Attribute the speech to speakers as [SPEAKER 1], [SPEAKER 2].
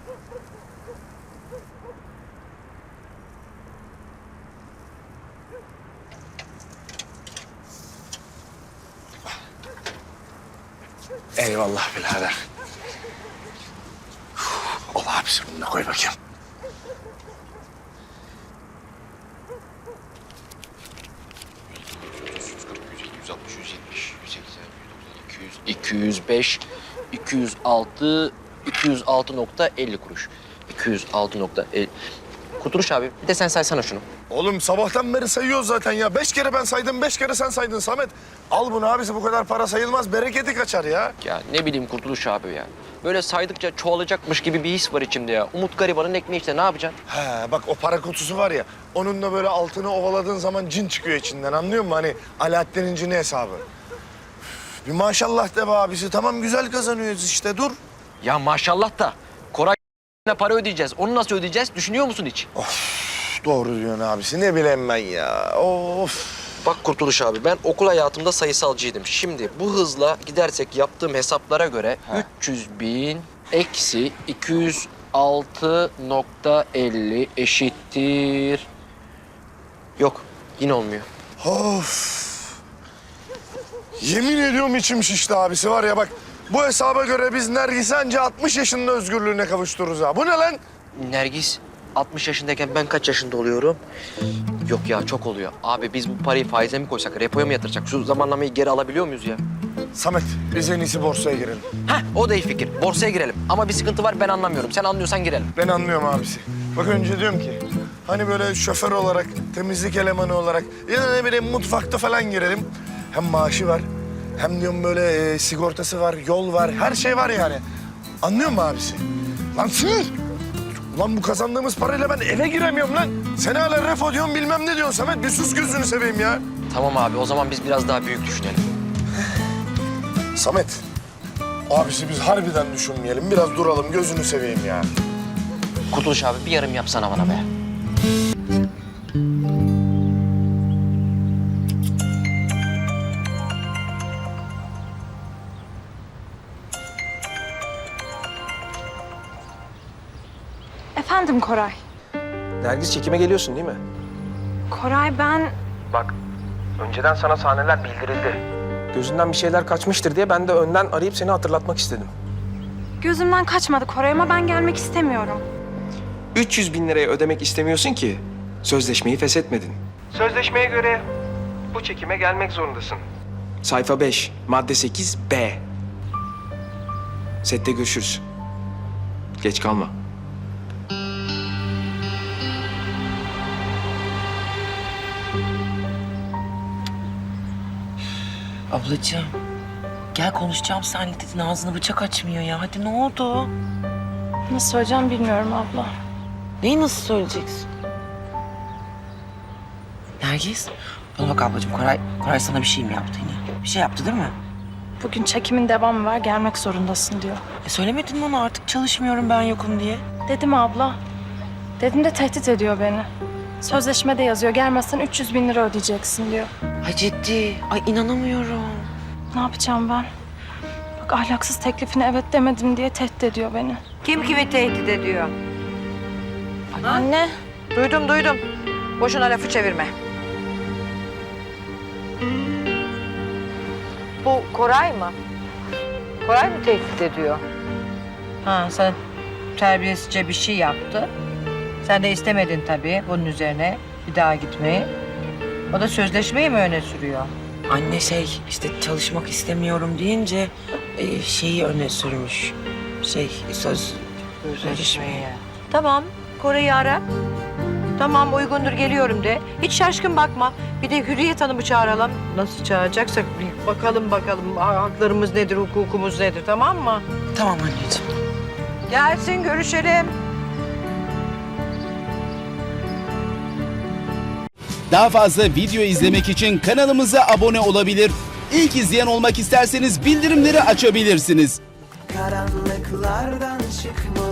[SPEAKER 1] Eyvallah birader. Ol abisi, bunu da koy bakayım.
[SPEAKER 2] ...206.50 kuruş. 206.50... Kurtuluş abi, bir de sen saysana şunu.
[SPEAKER 1] Oğlum sabahtan beri sayıyoruz zaten ya. 5 kere ben saydım, 5 kere sen saydın Samet. Al bunu abisi, bu kadar para sayılmaz. Bereketi kaçar ya.
[SPEAKER 2] Ya ne bileyim Kurtuluş abi ya. Böyle saydıkça çoğalacakmış gibi bir his var içimde ya. Umut garibanın ekmeği işte, ne yapacaksın?
[SPEAKER 1] He bak, o para kutusu var ya. Onunla böyle altını ovaladığın zaman cin çıkıyor içinden, anlıyor musun? Hani Alaaddin'in cini hesabı. Üf, bir maşallah de be abisi. Tamam, güzel kazanıyoruz işte, dur.
[SPEAKER 2] Ya maşallah da Koray para ödeyeceğiz. Onu nasıl ödeyeceğiz? Düşünüyor musun hiç?
[SPEAKER 1] Doğru diyorsun abisi. Ne bileyim ben ya. Of.
[SPEAKER 2] Bak Kurtuluş abi, ben okul hayatımda sayısalcıydım. Şimdi bu hızla gidersek yaptığım hesaplara göre 300.000 eksi 206.50 eşittir... Yok, yine olmuyor.
[SPEAKER 1] Of. Yemin ediyorum içim şişti abisi, var ya bak. Bu hesaba göre biz Nergis'i anca 60 yaşında özgürlüğüne kavuştururuz ha. Bu ne lan?
[SPEAKER 2] Nergis 60 yaşındayken ben kaç yaşında oluyorum? Yok ya, çok oluyor. Abi biz bu parayı faize mi koysak, repoya mı yatıracak? Şu zamanlamayı geri alabiliyor muyuz ya?
[SPEAKER 1] Samet, biz en iyisi borsaya girelim.
[SPEAKER 2] Heh, o da iyi fikir. Borsaya girelim. Ama bir sıkıntı var, ben anlamıyorum. Sen anlıyorsan girelim.
[SPEAKER 1] Ben anlıyorum abisi. Bak önce diyorum ki, hani böyle şoför olarak, temizlik elemanı olarak ya da ne bileyim mutfakta falan girelim. Hem maaşı var, hem diyorum böyle sigortası var, yol var, her şey var yani. Anlıyor musun abisi? Lan sığır! Ulan bu kazandığımız parayla ben eve giremiyorum lan. Sen hala refo diyorsun, bilmem ne diyorsun Samet. Bir sus, gözünü seveyim ya.
[SPEAKER 2] Tamam abi, o zaman biz biraz daha büyük düşünelim.
[SPEAKER 1] Samet, abisi biz harbiden düşünmeyelim. Biraz duralım, gözünü seveyim ya.
[SPEAKER 2] Kurtuluş abi, bir yarım yapsana bana be.
[SPEAKER 3] Efendim Koray.
[SPEAKER 4] Nergis, çekime geliyorsun değil mi?
[SPEAKER 3] Koray ben...
[SPEAKER 4] Bak, önceden sana sahneler bildirildi. Gözünden bir şeyler kaçmıştır diye ben de önden arayıp seni hatırlatmak istedim.
[SPEAKER 3] Gözümden kaçmadı Koray ama ben gelmek istemiyorum.
[SPEAKER 4] 300.000 liraya ödemek istemiyorsun ki sözleşmeyi feshetmedin. Sözleşmeye göre bu çekime gelmek zorundasın. Sayfa 5, madde 8, B. Sette görüşürüz. Geç kalma.
[SPEAKER 5] Ablacığım, gel konuşacağım seninle dedin, ağzını bıçak açmıyor ya. Hadi ne oldu?
[SPEAKER 3] Nasıl söyleyeceğim bilmiyorum abla.
[SPEAKER 5] Neyi nasıl söyleyeceksin? Nergis, bana bak ablacığım, Koray sana bir şey mi yaptı yine? Bir şey yaptı değil mi?
[SPEAKER 3] Bugün çekimin devamı var, gelmek zorundasın diyor.
[SPEAKER 5] Söylemedin mi ona artık çalışmıyorum ben yokum diye?
[SPEAKER 3] Dedim abla. Dedim de tehdit ediyor beni. Sözleşmede yazıyor, gelmezsen 300.000 lira ödeyeceksin diyor.
[SPEAKER 5] Ay ciddi, ay inanamıyorum.
[SPEAKER 3] Ne yapacağım ben? Bak ahlaksız teklifine evet demedim diye tehdit ediyor beni.
[SPEAKER 6] Kim kimi tehdit ediyor?
[SPEAKER 3] Anne.
[SPEAKER 6] Duydum. Boşuna lafı çevirme. Bu Koray mı? Koray mı tehdit ediyor? Ha, sana terbiyesizce bir şey yaptı. Sen de istemedin tabii bunun üzerine bir daha gitmeyi. O da sözleşmeyi mi öne sürüyor?
[SPEAKER 5] Anne işte çalışmak istemiyorum deyince şeyi öne sürmüş. Sözleşmeyi.
[SPEAKER 6] Tamam, Koray'ı ara. Tamam, uygundur, geliyorum de. Hiç şaşkın bakma. Bir de Hürriyet Hanım'ı çağıralım. Nasıl çağıracaksak bir bakalım haklarımız nedir, hukukumuz nedir, tamam mı?
[SPEAKER 5] Tamam anneciğim.
[SPEAKER 6] Gelsin, görüşelim.
[SPEAKER 7] Daha fazla video izlemek için kanalımıza abone olabilir. İlk izleyen olmak isterseniz bildirimleri açabilirsiniz.
[SPEAKER 8] Karanlıklardan çıkmalı